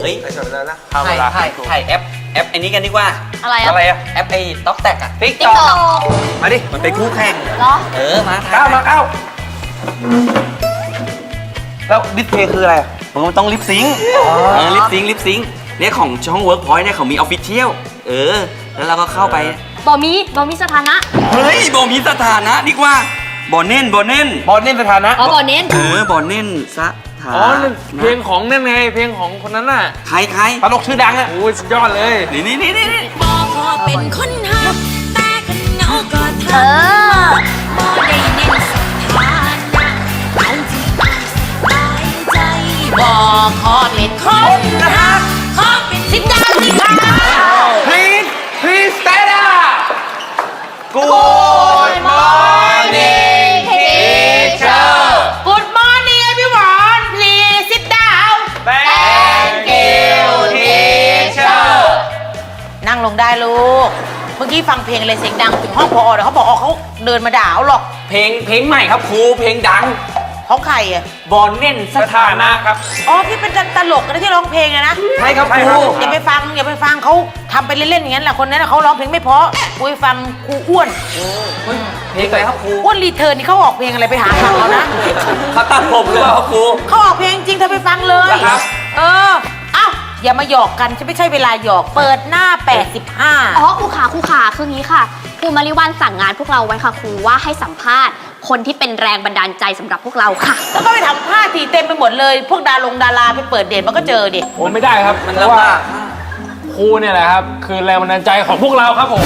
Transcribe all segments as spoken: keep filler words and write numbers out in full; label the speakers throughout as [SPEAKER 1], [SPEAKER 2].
[SPEAKER 1] ฮ้ย
[SPEAKER 2] ไอ้สมัยนั้นนะ
[SPEAKER 1] ถ่ายถ่ายถ่ายแอปแอปไอ้นี้กันดีกว่า
[SPEAKER 3] อะไรอะ
[SPEAKER 2] อะไรอะ
[SPEAKER 1] แอปไอ้ต็อกแตกอะ
[SPEAKER 2] ติ๊ก
[SPEAKER 3] ติ๊
[SPEAKER 2] ต็
[SPEAKER 3] ก
[SPEAKER 2] อก
[SPEAKER 3] ต็อก
[SPEAKER 2] มาดิ
[SPEAKER 1] มันเป็นคู่แข่ง
[SPEAKER 3] เหรอ
[SPEAKER 1] เออมาถ่าย
[SPEAKER 2] ก้าวมาก้าวแล้วดิสเพย์คืออะไร
[SPEAKER 1] มันต้องลิปซิงค์เออลิปซิงค์ลิปซิงค์เนี่ยของช่อง Workpoint เนี่ยเขามีออฟฟิเชียลเออแล้วเราก็เข้าไป
[SPEAKER 3] บอมีบอมีสถานะ
[SPEAKER 1] เฮ้ยบอมีสถานะดีกว่าบอเน่นบอเน่น
[SPEAKER 2] บอลเน่นสถานะ
[SPEAKER 3] อ๋อบอเน้น
[SPEAKER 1] เออบอเน่นสถา
[SPEAKER 4] อ๋อนั่น
[SPEAKER 1] นะ
[SPEAKER 4] เพลงของนั่นไงเพลงของคนนั้นน่ะ
[SPEAKER 1] ใครใคร
[SPEAKER 2] ตลกชื่อดังอะ
[SPEAKER 4] โอ้ยสุดยอดเลย
[SPEAKER 1] นี่นี่นี่นี่
[SPEAKER 5] บอกพอเป็นคนหักแต่ขันเหงาก็ท
[SPEAKER 3] เออ
[SPEAKER 5] ำบ่ได้เน้นสถานะเอาที่ตายสบายใจบอกขอเป็นคนหักขอเป็นสิดาสิค่ะ
[SPEAKER 2] Please Please stand up Good morning teacher
[SPEAKER 5] Good morning everyone please sit down
[SPEAKER 2] Thank you teacher
[SPEAKER 6] นั่งลงได้ลูก เมื่อกี้ฟังเพลงอะไรเสียงดังถึงห้องพอเดี๋ยวเขาบอกอ๋อเขาเดินมาด่าเอาหรอก
[SPEAKER 1] เพลงเพลงใหม่ครับครูเพลงดัง
[SPEAKER 6] ของใครอ่ะ
[SPEAKER 1] บอเน่นสถานะครับ
[SPEAKER 6] อ๋อที่เป็นตลกนะที่ร้องเพลงอะนะ
[SPEAKER 1] ใช่ครับครู
[SPEAKER 6] อย่าไปฟังอย่าไปฟังเขาทำไปเล่นๆอย่างนั้นแหละคนนั้นน่ะเขาร้องเพลงไม่เพราะกูไปฟังครูอ้วน
[SPEAKER 1] เพลงอะไรครับครู
[SPEAKER 6] อ้วนรีเทิร์นนี่เขาออกเพลงอะไรไปหาฟังเขานะ
[SPEAKER 1] เขาตัดผมหรือเปล่าครับครู
[SPEAKER 6] เขาออกเพลงจริงเธอไปฟังเลย
[SPEAKER 1] เหรอครับ
[SPEAKER 6] เออเอ้าอย่ามาหยอกกันจะไม่ใช่เวลาหยอกเปิดหน้าแปดสิบห้า
[SPEAKER 3] อ๋อครูขาครูขาคืองี้ค่ะครูมาริวันสั่งงานพวกเราไว้ค่ะครูว่าให้สัมภาษณ์คนที่เป็นแรงบันดาลใจสำหรับพวกเราค่ะ
[SPEAKER 6] แล้วก็ไปทำผ้าทีเต็มไปหมดเลย พวกดารงดาราไปเปิดเดทมันก็เจอดิ
[SPEAKER 4] โอ้ไม่ได้ครับ
[SPEAKER 1] มัน
[SPEAKER 4] เพราะ
[SPEAKER 1] ลำ
[SPEAKER 4] ว่า
[SPEAKER 1] บาก
[SPEAKER 4] ครูเนี่ยแหละครับ คือแรงบันดาลใจของพวกเราครับผม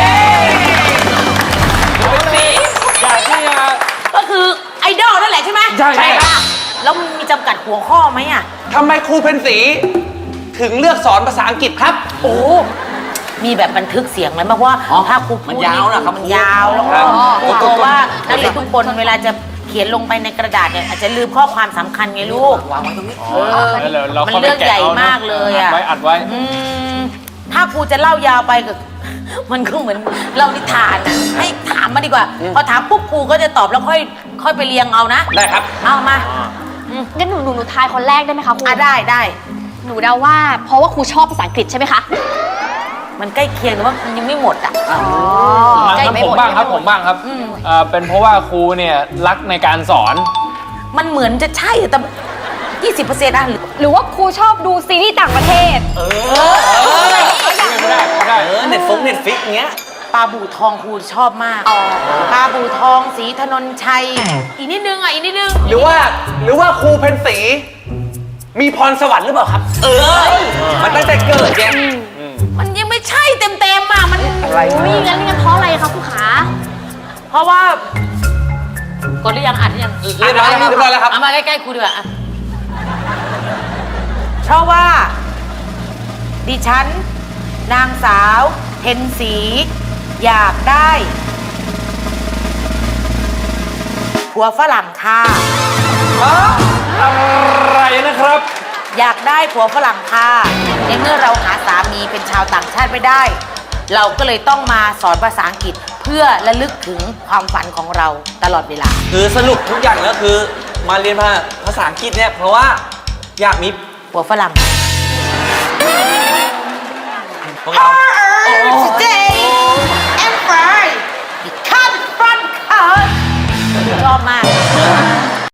[SPEAKER 4] อยากที่จะ
[SPEAKER 6] ก็คือไอดอลนั่นแหละใช่ไหม
[SPEAKER 4] ใช่ใช่
[SPEAKER 6] ปะแล้วมีจำกัดหัวข้อไหมอ่ะ
[SPEAKER 2] ทำไมครูเพนสีถึงเลือกสอนภาษาอังกฤษครับ
[SPEAKER 6] โอ้ มีแบบบันทึกเสียงไหมเพราะว่า
[SPEAKER 1] อ๋อ
[SPEAKER 6] ถ้าครูพูด
[SPEAKER 1] มันยาวนะครับ
[SPEAKER 6] มันยาวแล้ว
[SPEAKER 2] ครั
[SPEAKER 6] ก็
[SPEAKER 2] บ
[SPEAKER 6] ครูกลัวว่านักเรียนทุกคนเวลาจะเขียนลงไปในกระดาษเนี่ยอาจจะลืมข้อความสำคัญไงลูก
[SPEAKER 1] วางไว้ตรงนี้
[SPEAKER 6] เออ
[SPEAKER 4] แล้วเราเรา
[SPEAKER 6] มัน
[SPEAKER 4] เข้าไป
[SPEAKER 6] เรื่อง
[SPEAKER 4] แกะ
[SPEAKER 6] ใหญ่
[SPEAKER 4] เอานะ
[SPEAKER 6] มากเลยอ่ะ
[SPEAKER 4] ไว้อัดไว้
[SPEAKER 6] อืมถ้าครูจะเล่ายาวไปก็ มันก็เหมือนเล่านิทานอ่ะให้ถามมาดีกว่า พอถามปุ๊บครูก็จะตอบแล้วค่อยค่อยไปเรียงเอานะ
[SPEAKER 2] ได้ครับ
[SPEAKER 6] เอามา
[SPEAKER 3] งั้นหนูหนูหนูทายคนแรกได้ไหมคะครู
[SPEAKER 6] อ่ะได้ได้
[SPEAKER 3] หนูเดาว่าเพราะว่าครูชอบภาษาอังกฤษใช่ไหมคะ
[SPEAKER 6] มันใกล้เคียงแต่ว่ามันยังไม่หมดอ่ะ
[SPEAKER 4] มา
[SPEAKER 3] ใกล้
[SPEAKER 4] ครับ
[SPEAKER 3] ไม่
[SPEAKER 4] ผม
[SPEAKER 3] หมด
[SPEAKER 4] บ้างครับ
[SPEAKER 3] ใกล้
[SPEAKER 4] ผ
[SPEAKER 3] ไม่หมด
[SPEAKER 4] มบ้างครับ
[SPEAKER 6] อืม
[SPEAKER 4] เอ่อเป็นเพราะว่าครูเนี่ยรักในการสอน
[SPEAKER 6] มันเหมือนจะใช่แต่ยี่สิบเปอร์เซ็นต์อ่ะหรือ
[SPEAKER 3] หรือว่าครูชอบดูซีรีส์ต่างประเทศ
[SPEAKER 1] เออ
[SPEAKER 4] ไม่ได้ไม่ได้
[SPEAKER 1] เออเน็ตฟงเน็ตฟิกเงี้ย
[SPEAKER 6] ปลาบู่ทองครูชอบมากปลาบู่ทองสีถนนชัย อีกนิดนึงอ่ะอีกนิดนึง
[SPEAKER 2] หรือว่าหรือว่าครูเพนสี มีพรสวรรค์หรือเปล่าครับ
[SPEAKER 1] เออ มันตั้งแต่เกิดแก
[SPEAKER 6] มันยังไม่ใช่เต็มเต็มๆอ่ะมัน
[SPEAKER 2] อะไร
[SPEAKER 3] อุ้ยงั้นงั้นเพราะอะไรคะครูขา
[SPEAKER 6] เพราะว่ากดหรือยังอัดหรือยัง
[SPEAKER 2] เรียบร้อยแล้วเรียบร้อยแล้วครับ
[SPEAKER 6] เอามาใกล้ๆครูดีกว่าอ่ะเพราะว่า ดิฉัน นางสาวเพ็ญศรีอยากได้ผัวฝรั่งค่ะ
[SPEAKER 4] อะไรนะครับ
[SPEAKER 6] อยากได้ผัวฝรั่งค่ะในเมื่อเราหาสามีเป็นชาวต่างชาติไม่ได้ เราก็เลยต้องมาสอนภาษาอังกฤษเพื่อระลึกถึงความฝันของเราตลอดเวลา
[SPEAKER 1] คือสรุปทุกอย่างแล้วคือมาเรียนภาษาอังกฤษเนี่ยเพราะว่าอยากมี
[SPEAKER 6] ผัวฝรั่ง
[SPEAKER 1] พวกเรา
[SPEAKER 6] Today and Friday because from ชอบมาก